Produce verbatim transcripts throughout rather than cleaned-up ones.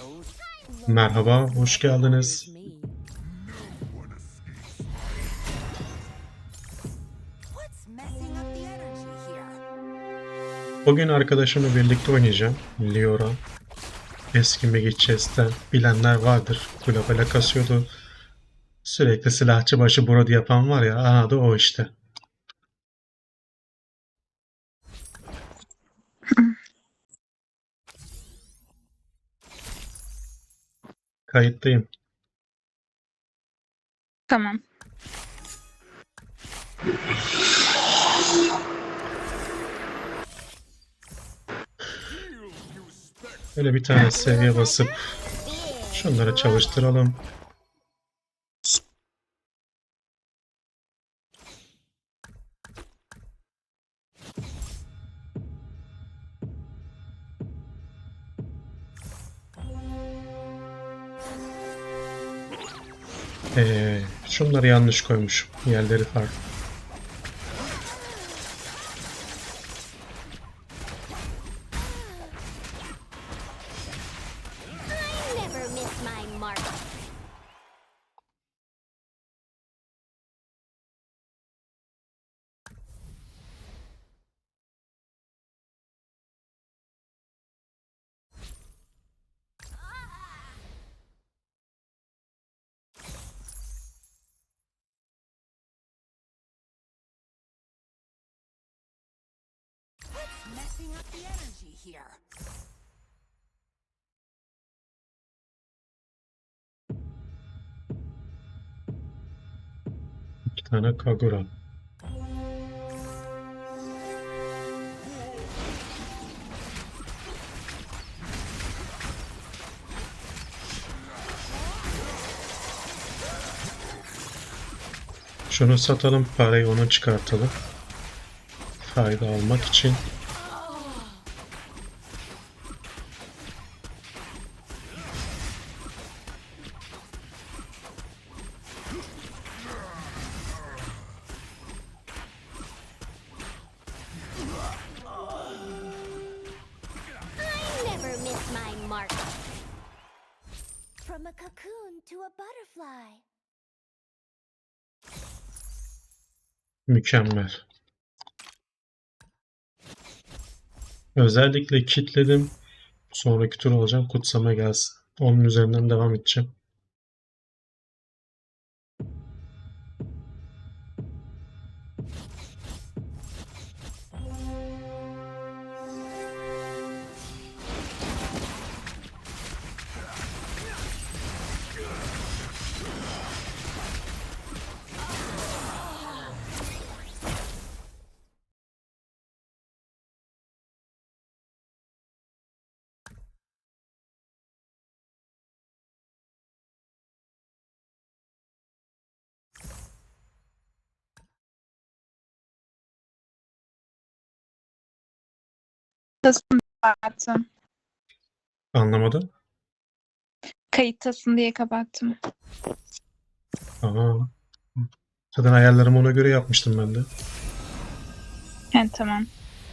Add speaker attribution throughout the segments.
Speaker 1: Merhaba, hoş geldiniz. Bugün arkadaşımla birlikte oynayacağım. Liora. Eski Megi Chess'ten bilenler vardır. Globale kasıyordu. Sürekli silahçı başı Brody yapan var ya, aha da o işte. Kayıttayım.
Speaker 2: Tamam.
Speaker 1: Böyle bir tane seviye basıp şunları çalıştıralım. Ee, şunları yanlış koymuşum. Yerleri farklı.
Speaker 3: Never miss my mark.
Speaker 4: Messing up the energy here.
Speaker 1: İki tane Kagura. Şunu satalım, parayı ona çıkartalım. Fayda almak için.
Speaker 3: Never miss my mark. From a cocoon to a butterfly.
Speaker 1: Mükemmel. Özellikle kitledim. Sonraki tur olacağım. Kutsama gelsin. Onun üzerinden devam edeceğim.
Speaker 2: Kayıttasın kapattım.
Speaker 1: Anlamadım.
Speaker 2: Kayıttasın diye kapattım.
Speaker 1: Aa. Zaten ayarlarımı ona göre yapmıştım ben de.
Speaker 2: He tamam.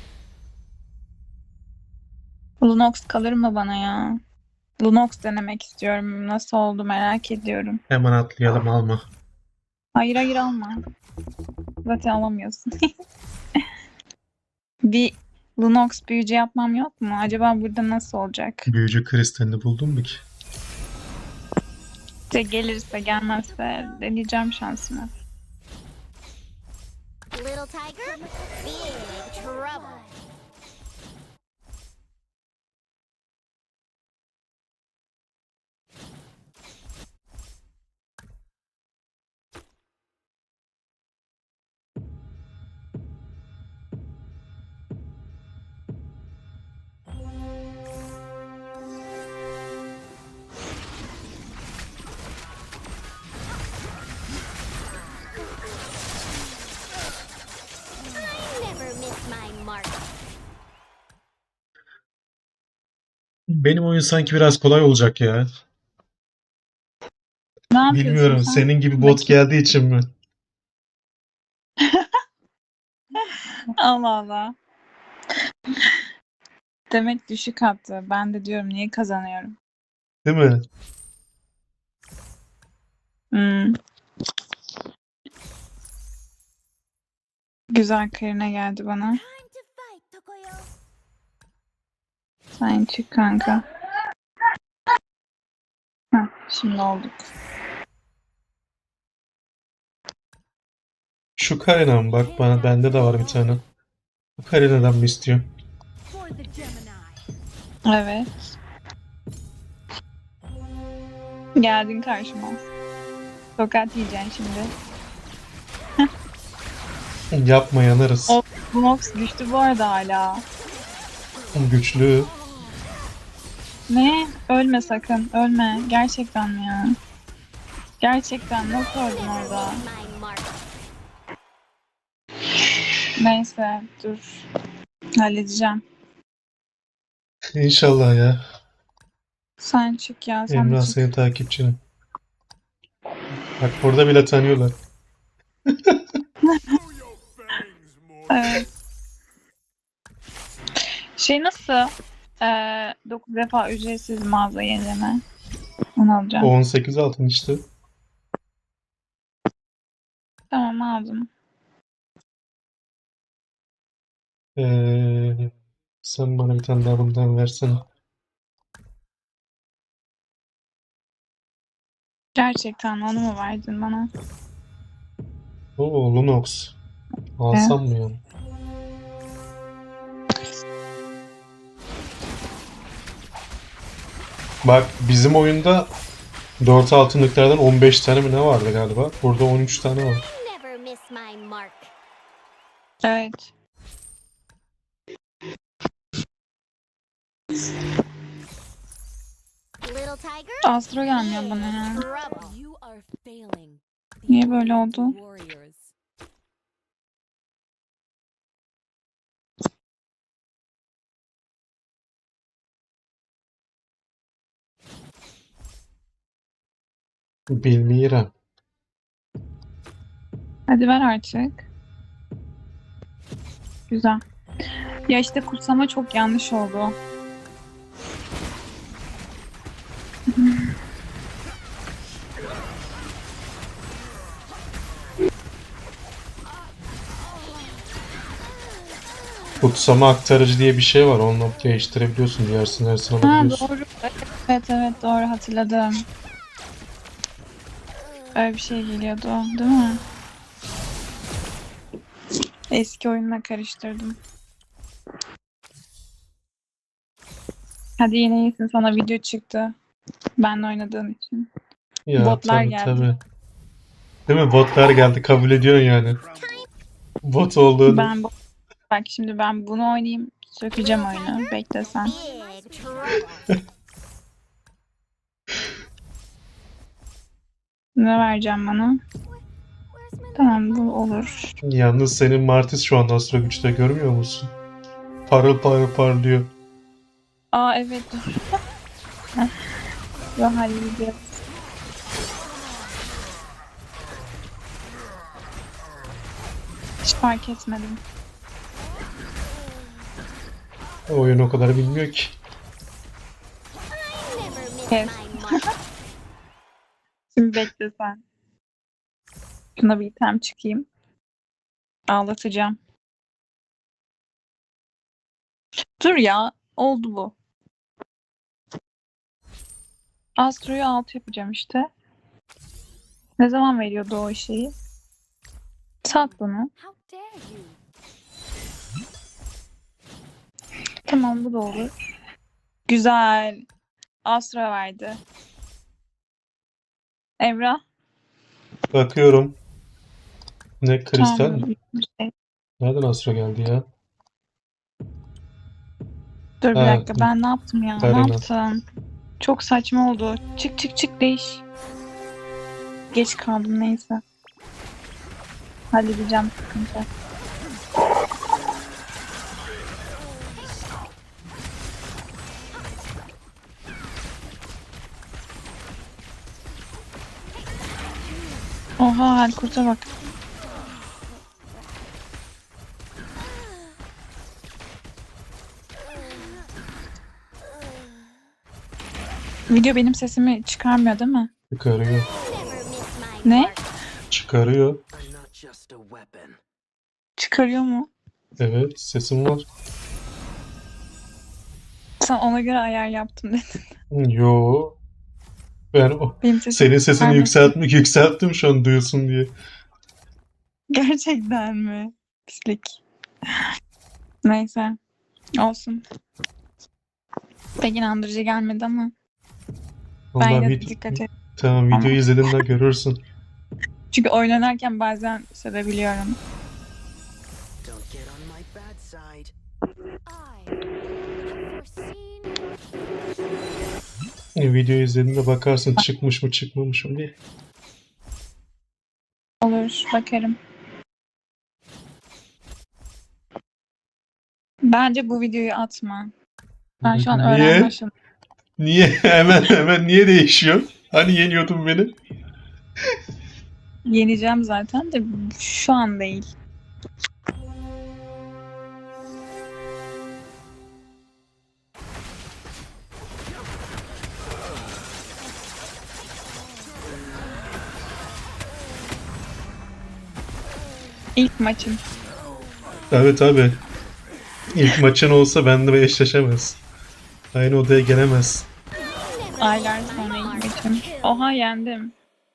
Speaker 2: Lunox kalır mı bana ya? Lunox denemek istiyorum. Nasıl oldu merak ediyorum.
Speaker 1: Hemen atlayalım, alma.
Speaker 2: Hayır hayır alma. Zaten alamıyorsun. Bir Lunox büyücü yapmam yok mu? Acaba burada nasıl olacak?
Speaker 1: Büyücü kristalini buldun mu ki?
Speaker 2: İşte gelirse gelmezse deneyeceğim şansımı.
Speaker 3: Little tiger, big trouble. Never miss my mark.
Speaker 1: Benim oyun sanki biraz kolay olacak ya.
Speaker 2: Ne yapıyorsun
Speaker 1: Bilmiyorum,
Speaker 2: sen?
Speaker 1: senin gibi bot
Speaker 2: Bakayım.
Speaker 1: geldiği için mi?
Speaker 2: Allah Allah. Demek düşük attı. Ben de diyorum niye kazanıyorum?
Speaker 1: Değil mi?
Speaker 2: Hmm. Güzel Karina geldi bana.
Speaker 3: Time to fight, Tokoyo.
Speaker 2: Sen çık kanka. Heh, şimdi olduk.
Speaker 1: Şu Karina'm bak bana bende de var bir tane. Bu Karina'dan mı istiyorsun?
Speaker 4: For the Gemini.
Speaker 2: Evet. Geldin karşıma. Tokat yiyeceksin şimdi.
Speaker 1: Yapma yanarız.
Speaker 2: O Lunox güçlü bu arada hala.
Speaker 1: Güçlü.
Speaker 2: Ne? Ölme sakın. Ölme. Gerçekten mi ya? Gerçekten nasıl öldün orada?
Speaker 3: My mark.
Speaker 2: Neyse dur. Halledeceğim.
Speaker 1: İnşallah ya.
Speaker 2: Sen çık ya. Sen de
Speaker 1: Emrah
Speaker 2: çık.
Speaker 1: senin takipçinin. Bak burada bile tanıyorlar.
Speaker 2: Evet. Şey nasıl? Ee, dokuz defa ücretsiz mağaza yenileme. Onu alacağım.
Speaker 1: on sekiz altın işte.
Speaker 2: Tamam aldım.
Speaker 1: Ee, sen bana bir tane daha bundan versene.
Speaker 2: Gerçekten onu mu verdin bana?
Speaker 1: Oo Lunox. Alsam mı yani? Bak bizim oyunda dört altınlıklardan on beş tane mi ne vardı galiba? Burada on üç tane var.
Speaker 3: I never miss my mark.
Speaker 2: Evet.
Speaker 3: Little tiger.
Speaker 2: Astro gelmiyor bana ya.
Speaker 3: Trouble.
Speaker 4: You are failing. The
Speaker 2: Niye böyle
Speaker 4: Orient
Speaker 2: oldu?
Speaker 4: Warriors.
Speaker 1: Bilmiyorum.
Speaker 2: Hadi ver artık. Güzel. Ya işte kursama çok yanlış oldu.
Speaker 1: Kutsama aktarıcı diye bir şey var. Onunla değiştirebiliyorsun. Diğer sinersini
Speaker 2: Ha
Speaker 1: alabiliyorsun.
Speaker 2: doğru. Evet evet doğru hatırladım. Öyle bir şey geliyordu değil mi? Eski oyunla karıştırdım. Hadi yine iyisin, sana video çıktı. Benle oynadığın için.
Speaker 1: Ya
Speaker 2: Botlar
Speaker 1: tabii
Speaker 2: geldi.
Speaker 1: tabii. Değil mi? Botlar geldi. Kabul ediyorsun yani. Bot olduğunu.
Speaker 2: Ben bu... Bak şimdi ben bunu oynayayım. Sökeceğim oyunu. Bekle sen.
Speaker 3: Big trouble.
Speaker 2: Ne vereceğim bana?
Speaker 3: Where's my
Speaker 2: Tamam bu olur.
Speaker 1: Yalnız senin Martis şu anda Astro Güç'te görmüyor musun? Parıl parıl parlıyor.
Speaker 2: Aa evet dur. Yo halledeceğiz. Hiç fark etmedim.
Speaker 1: O oyun o kadar bilmiyor ki.
Speaker 3: I never miss
Speaker 2: Yes.
Speaker 3: my mark.
Speaker 2: Şimdi bekle sen. Şuna bir item çıkayım. Ağlatacağım. Dur ya. Oldu bu. Astro'yu alt yapacağım işte. Ne zaman veriyordu o şeyi? Sat bunu.
Speaker 4: How dare you?
Speaker 2: Tamam bu da olur. Güzel. Astro verdi. Emrah.
Speaker 1: Bakıyorum. Ne kristal
Speaker 2: Tamam,
Speaker 1: mi?
Speaker 2: bu bir şey.
Speaker 1: Nereden Astro geldi ya?
Speaker 2: Dur bir
Speaker 1: Ha,
Speaker 2: dakika ben ne yaptım ya? Ne
Speaker 1: Karina.
Speaker 2: yaptım? Çok saçma oldu. Çık çık çık değiş. Geç kaldım neyse. Halledeceğim sıkıntı. Oha Halkurt'a bak. Video benim sesimi çıkarmıyor değil mi?
Speaker 1: Çıkarıyor.
Speaker 3: Never miss my
Speaker 2: Ne?
Speaker 3: mark.
Speaker 1: Çıkarıyor.
Speaker 5: I'm not just a weapon.
Speaker 2: Çıkarıyor mu?
Speaker 1: Evet, sesim var.
Speaker 2: Sen ona göre ayar yaptım dedin.
Speaker 1: Yo. Ben o
Speaker 2: Benim sesim
Speaker 1: senin sesini
Speaker 2: çıkarmasın.
Speaker 1: yükseltmek yükselttim şu an duyulsun diye.
Speaker 2: Gerçekten mi? Pislik. Neyse. Olsun. Pek inandırıcı gelmedi ama ben
Speaker 1: Vallahi
Speaker 2: yine de
Speaker 1: vid-
Speaker 2: dikkat et.
Speaker 1: tamam videoyu
Speaker 2: Ama-
Speaker 1: izlediğinde görürsün.
Speaker 2: Çünkü oyun oynarken bazen sevebiliyorum.
Speaker 5: Don't get on my bad side.
Speaker 3: I have foreseen
Speaker 1: Videoyu izlediğinde bakarsın çıkmış mı çıkmamış mı diye.
Speaker 2: Olur, bakarım. Bence bu videoyu atma. Ben şu an
Speaker 1: Niye?
Speaker 2: öğrenme aşamasındayım.
Speaker 1: Niye? Hemen hemen niye değişiyor? Hani yeniyordun beni?
Speaker 2: Yeneceğim zaten de şu an değil. İlk maçım.
Speaker 1: Tabii tabii. İlk maçın olsa benimle eşleşemez. Aynı odaya gelemez.
Speaker 2: Aylar sonra ilk maçım. Oha yendim.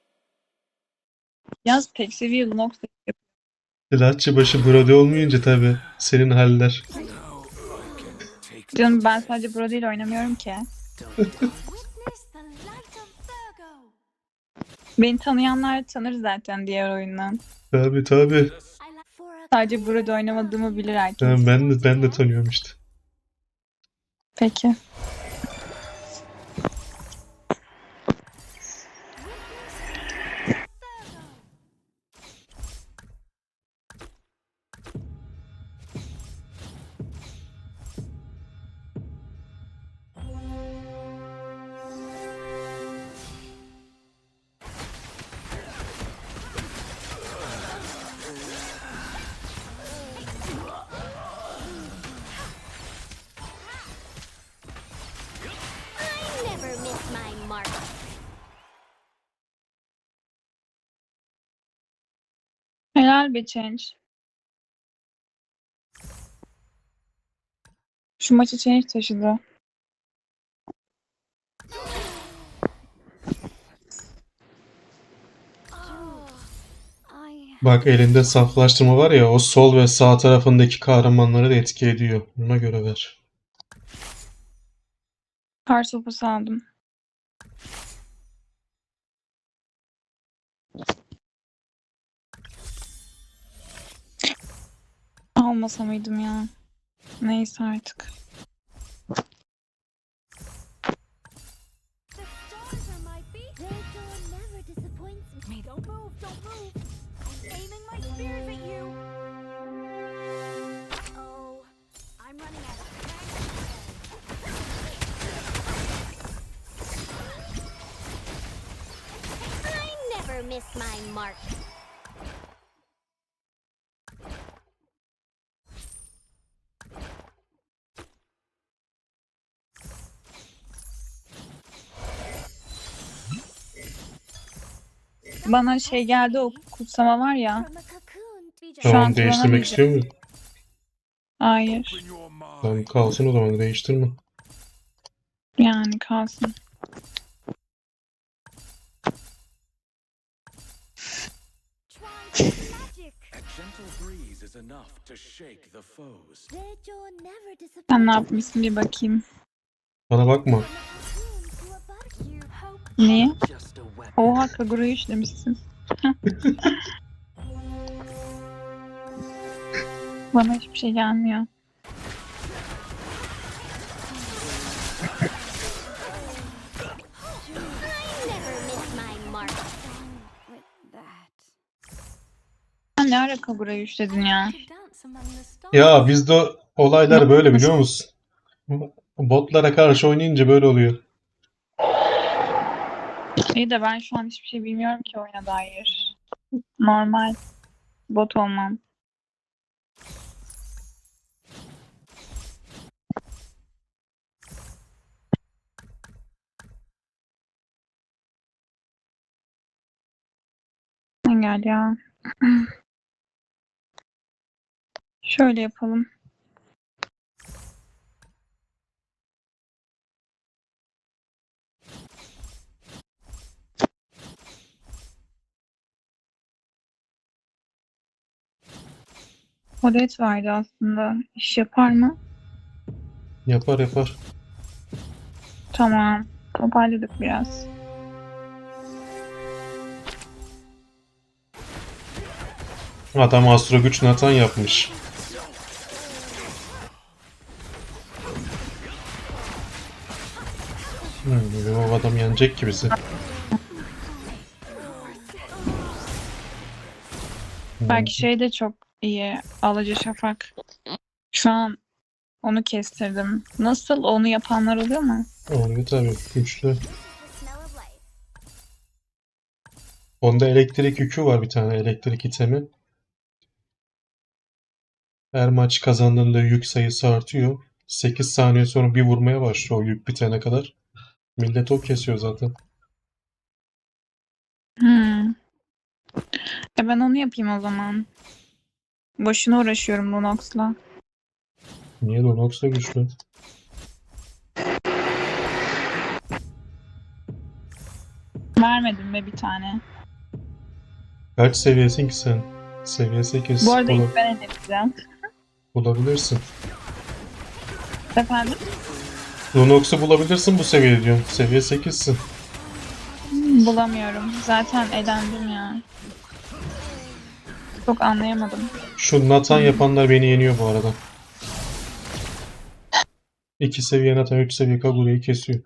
Speaker 2: Yaz tek seviye Lunox
Speaker 1: Silahçı başı Brody olmayınca tabii senin haller.
Speaker 2: canım, ben sadece Bro değil oynamıyorum ki.
Speaker 3: witness the light of Virgo.
Speaker 2: Beni tanıyanlar tanır zaten diğer oyundan.
Speaker 1: Tabii tabii.
Speaker 3: I like for a
Speaker 2: Sadece Bro'da oynamadığımı bilir herkes.
Speaker 1: Tamam, ben de ben de tanıyorum işte.
Speaker 2: Peki.
Speaker 3: I never miss my mark.
Speaker 2: Helal be Change. Şu maçı Change taşıdı.
Speaker 3: Oh, I
Speaker 1: Bak elinde saflaştırma var ya, o sol ve sağ tarafındaki kahramanları da etki ediyor. Buna göre ver.
Speaker 2: Kar sopası aldım. Almasa mıydım ya? Neyse artık.
Speaker 3: the stars are my beat. Their door never disappoints me. Don't move, don't move. I'm aiming my spears at you. Oh, I'm running out of strength. I never miss my mark.
Speaker 2: Bana şey geldi, o kutsama var ya.
Speaker 3: From a cocoon to be
Speaker 2: Şu an
Speaker 1: Tamam, değiştirmek
Speaker 2: kullanamayacağım.
Speaker 1: istiyor musun?
Speaker 2: Hayır.
Speaker 1: Tamam, kalsın o zaman, değiştirme.
Speaker 2: Yani kalsın.
Speaker 3: try magic.
Speaker 6: A gentle breeze is enough to shake the foes.
Speaker 3: Their door never disappoints
Speaker 2: Sen ne yapmışsın bir bakayım.
Speaker 1: Bana bakma.
Speaker 3: From a cocoon to a butterfly. You hope
Speaker 2: Niye?
Speaker 5: Just a weapon.
Speaker 2: Oha, Kagura'yı işlemişsin. Bana hiçbir şey gelmiyor.
Speaker 3: I never miss my mark. With that.
Speaker 2: Sen ne ara Kagura'yı işledin ya?
Speaker 1: Ya bizde olaylar böyle, biliyor musun? Botlara karşı oynayınca böyle oluyor.
Speaker 2: İyi de ben şu an hiçbir şey bilmiyorum ki oyuna dair. Normal. Bot olmam. gel ya. Şöyle yapalım. Odet vardı aslında. İş yapar mı?
Speaker 1: Yapar yapar.
Speaker 2: Tamam. Toparladık biraz.
Speaker 1: Adam Astro Güç Nathan yapmış. Hmm, o adam yenecek ki bizi.
Speaker 2: Belki şey de çok iyi. Alıcı Şafak. Şu an onu kestirdim. Nasıl? Onu yapanlar oluyor mu?
Speaker 1: Oluyor tabii. Güçlü.
Speaker 3: The smell of life.
Speaker 1: Onda elektrik yükü var, bir tane elektrik itemi. Her maç kazandığında yük sayısı artıyor. sekiz saniye sonra bir vurmaya başlıyor o yük bitene kadar. Millet o kesiyor zaten.
Speaker 2: Hmm. E ben onu yapayım o zaman. Boşuna uğraşıyorum Lunox'la.
Speaker 1: Niye Lunox da güçlü?
Speaker 2: Vermedim be bir tane.
Speaker 1: Kaç seviyesin ki sen? Seviye sekiz.
Speaker 2: Bu arada
Speaker 1: Ola-
Speaker 2: ilk ben edeceğim.
Speaker 1: bulabilirsin.
Speaker 2: Efendim?
Speaker 1: Lunox'u bulabilirsin bu seviyede diyorum. Seviye sekizsin.
Speaker 2: Bulamıyorum. Zaten elendim ya. Çok anlayamadım.
Speaker 1: Şu Nathan yapanlar beni yeniyor bu arada. iki seviye Nathan, üç seviye Kagure'yi kesiyor.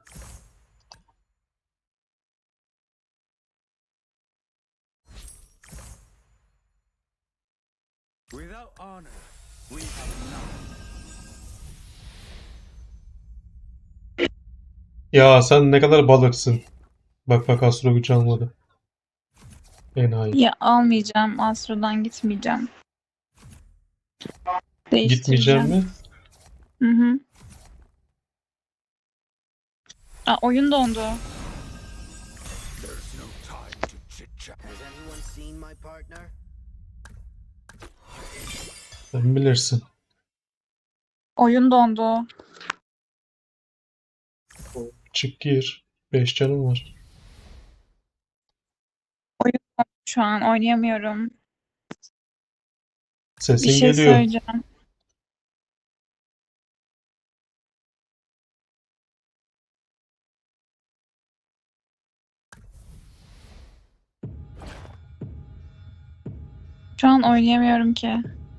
Speaker 6: Without honor, we have none.
Speaker 1: Ya sen ne kadar balıksın. Bak bak Astro Güç almadı. Enayi.
Speaker 2: Ya almayacağım. Astro'dan gitmeyeceğim.
Speaker 1: Gitmeyeceğim
Speaker 2: Değiştireceğim.
Speaker 1: mi?
Speaker 2: Hı hı. Aa, oyun dondu.
Speaker 6: There's no time to chit-chat.
Speaker 5: Has anyone seen my partner?
Speaker 1: Sen bilirsin.
Speaker 2: Oyun dondu.
Speaker 1: Çık gir. beş canım var.
Speaker 2: Şu an oynayamıyorum. Bir
Speaker 1: Sesin
Speaker 2: şey
Speaker 1: geliyor.
Speaker 2: söyleyeceğim. Şu an oynayamıyorum ki.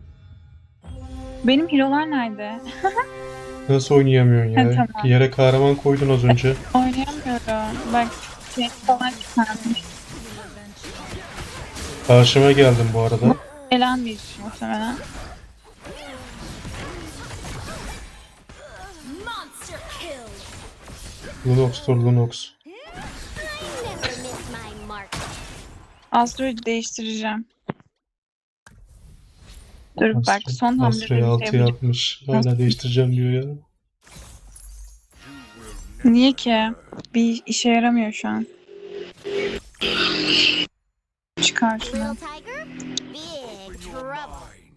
Speaker 2: Benim hero'lar nerede?
Speaker 1: Nasıl oynayamıyorsun
Speaker 2: Ha,
Speaker 1: ya?
Speaker 2: tamam.
Speaker 1: Yere kahraman koydun az önce.
Speaker 2: Oynayamıyorum. Bak şey falan çıkarmış.
Speaker 1: Karşıma geldin bu arada.
Speaker 2: Elenmiş muhtemelen.
Speaker 3: Monster kill.
Speaker 1: Lunox'tur Lunox.
Speaker 3: I never miss my mark.
Speaker 2: Astro'yu değiştireceğim. Dur bak
Speaker 1: Astro,
Speaker 2: son hamlede bir
Speaker 1: Astro'ya
Speaker 2: şey
Speaker 1: altı
Speaker 2: yapacağım.
Speaker 1: yapmış. Hala değiştireceğim diyor ya.
Speaker 2: Niye ki? Bir işe yaramıyor şu an. Çıkar şunu.
Speaker 3: Little tiger, big trouble.
Speaker 6: Mind.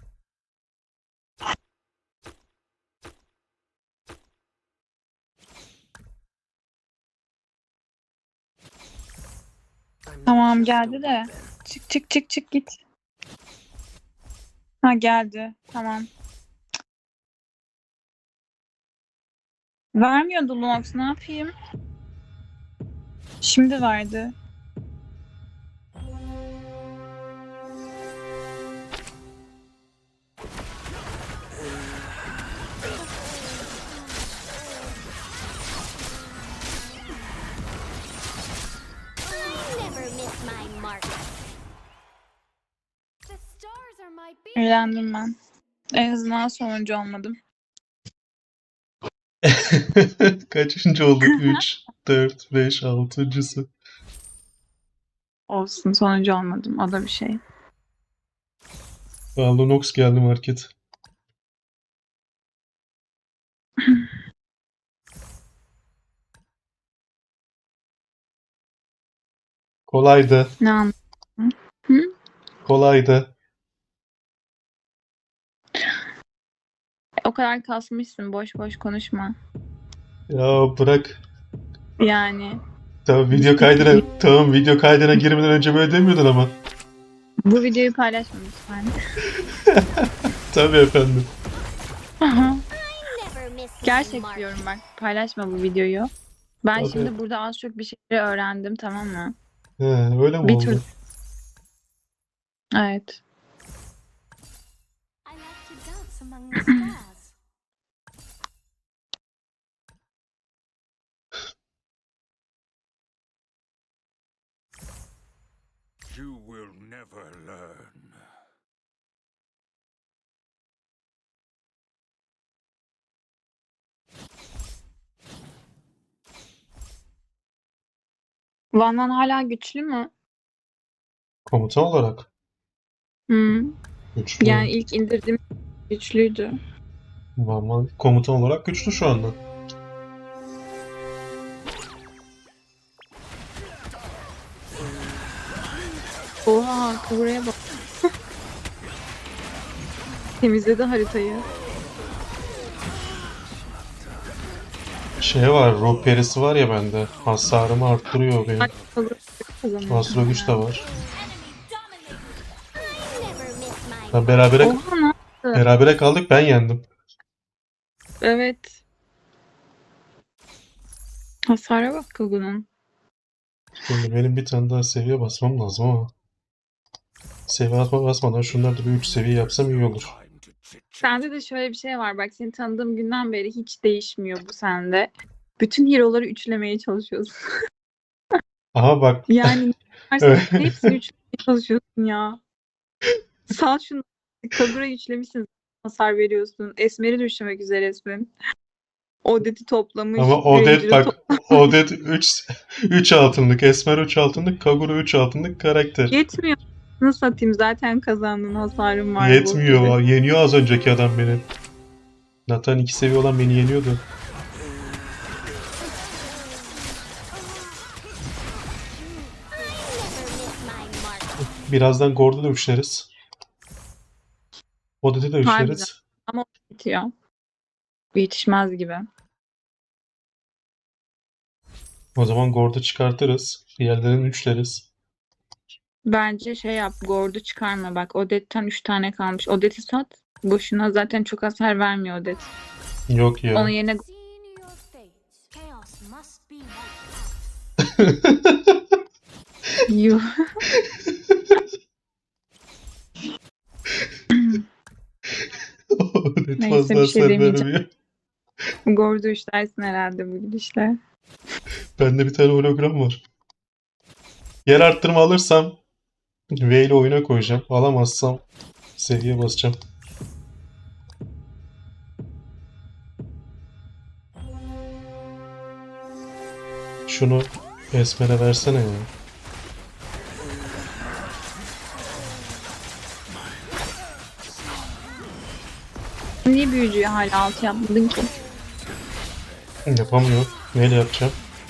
Speaker 5: I'm not
Speaker 2: Tamam
Speaker 5: just a
Speaker 2: geldi de.
Speaker 5: weapon.
Speaker 2: Çık çık çık çık git. Ha geldi. Tamam. Vermiyordu Lunox, ne yapayım? Şimdi verdi.
Speaker 3: I never miss my mark.
Speaker 4: The stars are my beacon.
Speaker 2: Eğlendim ben. En azından sonuncu olmadım.
Speaker 1: Kaçıncı oldu? üç, dört, beş, altıncısı.
Speaker 2: Olsun sonuncu olmadım. O da bir şey.
Speaker 1: Aa, Lunox geldi market. Kolaydı.
Speaker 2: Ne anladın? Hı?
Speaker 1: Kolaydı.
Speaker 2: O kadar kasmışsın. Boş boş konuşma.
Speaker 1: Ya bırak.
Speaker 2: Yani
Speaker 1: Tamam video kaydına tamam video kaydına girmeden önce böyle demiyordun ama.
Speaker 2: bu videoyu paylaşma lütfen.
Speaker 1: Tabii efendim.
Speaker 3: Never miss my
Speaker 2: Gerçek
Speaker 3: mark.
Speaker 2: diyorum bak. Paylaşma bu videoyu. Ben
Speaker 1: Tabii.
Speaker 2: şimdi burada az çok bir şeyleri öğrendim, tamam mı?
Speaker 1: He, öyle mi
Speaker 2: Bir
Speaker 1: oldu?
Speaker 2: tur. Evet.
Speaker 4: I like to dance among the stars.
Speaker 6: You will never learn.
Speaker 2: Van Van hala güçlü mü?
Speaker 1: Komutan olarak.
Speaker 2: Hı.
Speaker 1: Güçlü.
Speaker 2: Yani ilk indirdiğim güçlüydü.
Speaker 1: Vallahi komutan olarak güçlü şu anda.
Speaker 2: Oha, buraya bak. Temizledi haritayı.
Speaker 1: Şey var, ruh perisi var ya bende. Hasarımı arttırıyor benim.
Speaker 2: Ay, kazanıyor.
Speaker 1: Astro güç de var.
Speaker 3: Never miss my
Speaker 1: Ha, berabere,
Speaker 2: Oha, ne?
Speaker 1: berabere kaldık, ben yendim.
Speaker 2: Evet. Hasara bak Kagu'nun.
Speaker 1: Şimdi benim bir tane daha seviye basmam lazım ama. Seviye atma basmadan şunları da bir üç seviye yapsam iyi olur.
Speaker 6: Time to chit chat.
Speaker 2: Sende de şöyle bir şey var. Bak, seni tanıdığım günden beri hiç değişmiyor bu sende. Bütün hero'ları üçlemeye çalışıyorsun.
Speaker 1: Aha bak.
Speaker 2: Yani ne varsa
Speaker 1: Evet.
Speaker 2: hepsini üçlemeye çalışıyorsun ya. Sal şunu. Kagura'yı üçlemişsin. Hasar veriyorsun. Esmer'i de üçlemek üzeresin. Odet'i toplamış.
Speaker 1: Ama Odet
Speaker 2: Ranger'ı
Speaker 1: bak. Odet üç üç altınlık. Esmer üç altınlık. Kagura üç altınlık karakter.
Speaker 2: Yetmiyor. Nasıl satayım? Zaten kazandığın hasarım var. bu
Speaker 1: Yetmiyor.
Speaker 2: gibi.
Speaker 1: Yeniyor az önceki adam beni. Nathan iki seviye olan beni yeniyordu.
Speaker 3: never miss my mark.
Speaker 1: Birazdan Gord'u da üçleriz. Odet'i de
Speaker 2: Harbiden.
Speaker 1: üçleriz.
Speaker 2: Ama bitiyor. Yetişmez gibi.
Speaker 1: O zaman Gord'u çıkartırız. Diğerlerini üçleriz.
Speaker 2: Bence şey yap. Gord'u çıkarma. Bak, Odette'ten üç tane kalmış. Odet'i sat. Boşuna zaten çok hasar vermiyor Odet.
Speaker 1: Yok ya.
Speaker 2: Onun yerine
Speaker 4: Seen your fate. Chaos must be wiped out.
Speaker 2: Yuh.
Speaker 1: Odet
Speaker 2: Neyse,
Speaker 1: fazla
Speaker 2: bir şey
Speaker 1: hasar
Speaker 2: demeyeceğim.
Speaker 1: vermiyor.
Speaker 2: Gord'u üçlersin herhalde bu gidişle.
Speaker 1: Bende bir tane hologram var. Yer arttırma alırsam V ile oyuna koyacağım. Alamazsam seviye basacağım. Şunu Esmer'e versene ya.
Speaker 2: Niye büyücüyü hala altı yapmadın ki?
Speaker 1: Yapamıyor. Neyle yapacağım?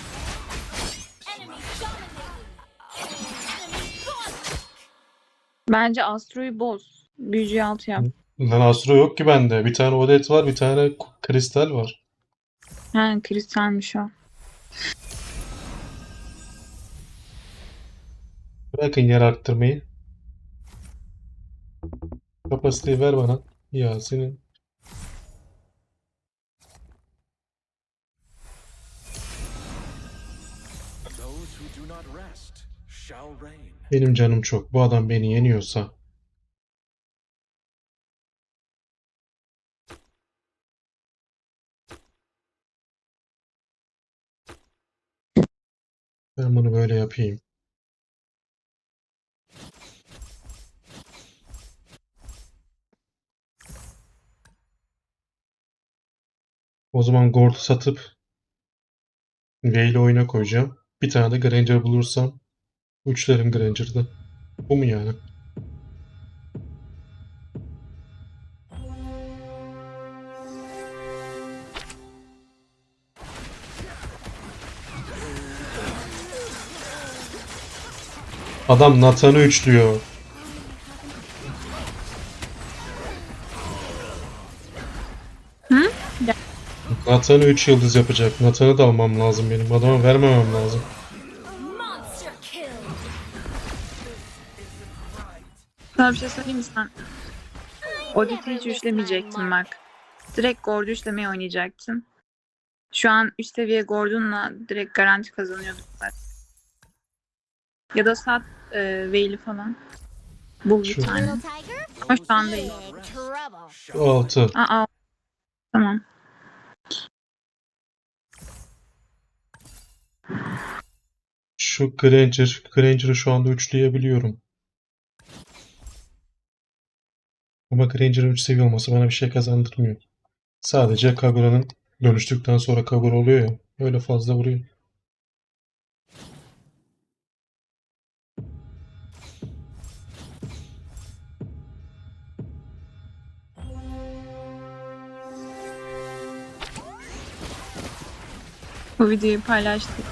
Speaker 2: Bence Astro'yu boz. Büyücüyü altı yap.
Speaker 1: Lan Astro yok ki bende. Bir tane Odet var, bir tane Kristal var.
Speaker 2: Ha, kristalmiş o.
Speaker 1: Bırakın yer arttırmayı. Kapasiteyi ver bana. Ya senin.
Speaker 6: Those who do not rest shall reign.
Speaker 1: Benim canım çok. Bu adam beni yeniyorsa. Ben bunu böyle yapayım. O zaman Gord'u satıp V ile oyuna koyacağım. Bir tane de Granger bulursam üçlerim Granger'da. Bu mu yani? Adam Nathan'ı üçlüyor. Nathan'ı üç yıldız yapacak. Nathan'ı da almam lazım benim. Adama vermemem lazım.
Speaker 4: Monster kill.
Speaker 2: Sana bir şey söyleyeyim mi sen? Audit'i hiç üçlemeyecektin bak. Direkt Gord'u üçlemeye oynayacaktın. Şu an üç seviye Gordon'la direkt garanti kazanıyorduk zaten. Ya da sat e, Veil'i falan. Bul bir
Speaker 1: Şu-
Speaker 2: tane.
Speaker 3: Little tiger,
Speaker 2: Ama şu an değil.
Speaker 3: big trouble.
Speaker 1: altı.
Speaker 2: Aa, tamam.
Speaker 1: Şu Granger. Granger'ı şu anda üçleyebiliyorum. Ama Granger'ın üç seviye olması bana bir şey kazandırmıyor. Sadece Kagura'nın dönüştükten sonra Kagura oluyor ya. Öyle fazla vuruyor.
Speaker 2: Bu videoyu paylaştık.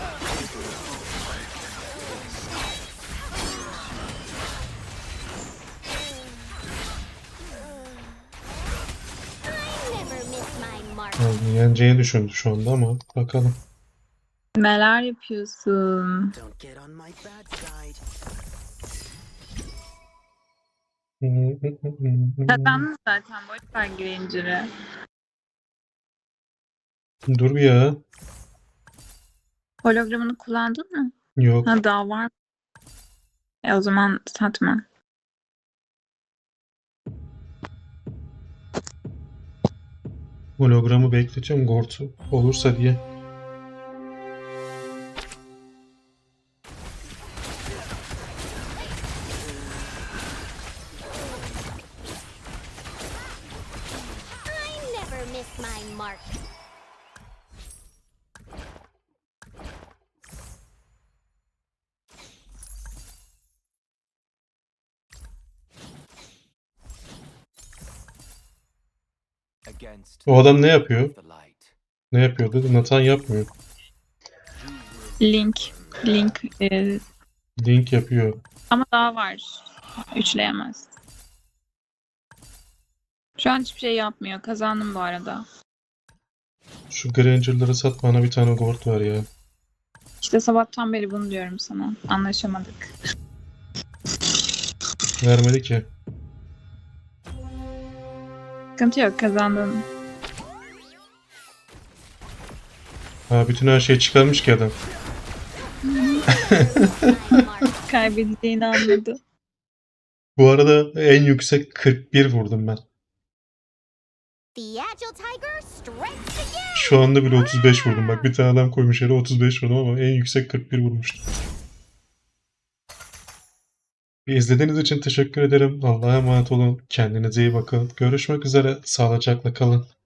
Speaker 3: I never miss my mark.
Speaker 1: Yani yeneceğini düşündü şu anda ama bakalım.
Speaker 2: Neler yapıyorsun?
Speaker 5: Don't get on my bad side.
Speaker 2: Kazandın zaten. Boş ver Granger'ı.
Speaker 1: Dur bir ya.
Speaker 2: Hologramını kullandın mı?
Speaker 1: Yok.
Speaker 2: Ha, daha var mı? E o zaman satma.
Speaker 1: Hologramı bekletiyorum Gort'u olursa diye.
Speaker 3: I never miss my mark.
Speaker 6: Against
Speaker 1: O adam ne yapıyor?
Speaker 6: the light.
Speaker 1: Ne yapıyor dedi. Nathan yapmıyor.
Speaker 2: Link. Link. e,
Speaker 1: Link yapıyor.
Speaker 2: ama daha var. Üçleyemez. Şu an hiçbir şey yapmıyor. Kazandım bu arada.
Speaker 1: Şu Granger'ları sat bana bir tane Gort ver ya.
Speaker 2: İşte sabahtan beri bunu diyorum sana. Anlaşamadık.
Speaker 1: Vermedi ki.
Speaker 2: Sıkıntı yok. Kazandın.
Speaker 1: Ha bütün her şeyi çıkarmış ki adam.
Speaker 3: My mark.
Speaker 2: Kaybedeceğini anladı.
Speaker 1: Bu arada en yüksek kırk bir vurdum ben.
Speaker 3: The agile tiger strikes again.
Speaker 1: Şu anda bile otuz beş vurdum. Bak bir tane adam koymuş yere otuz beş vurdum ama en yüksek kırk bir vurmuştum. İzlediğiniz için teşekkür ederim. Allah'a emanet olun. Kendinize iyi bakın. Görüşmek üzere. Sağlıcakla kalın.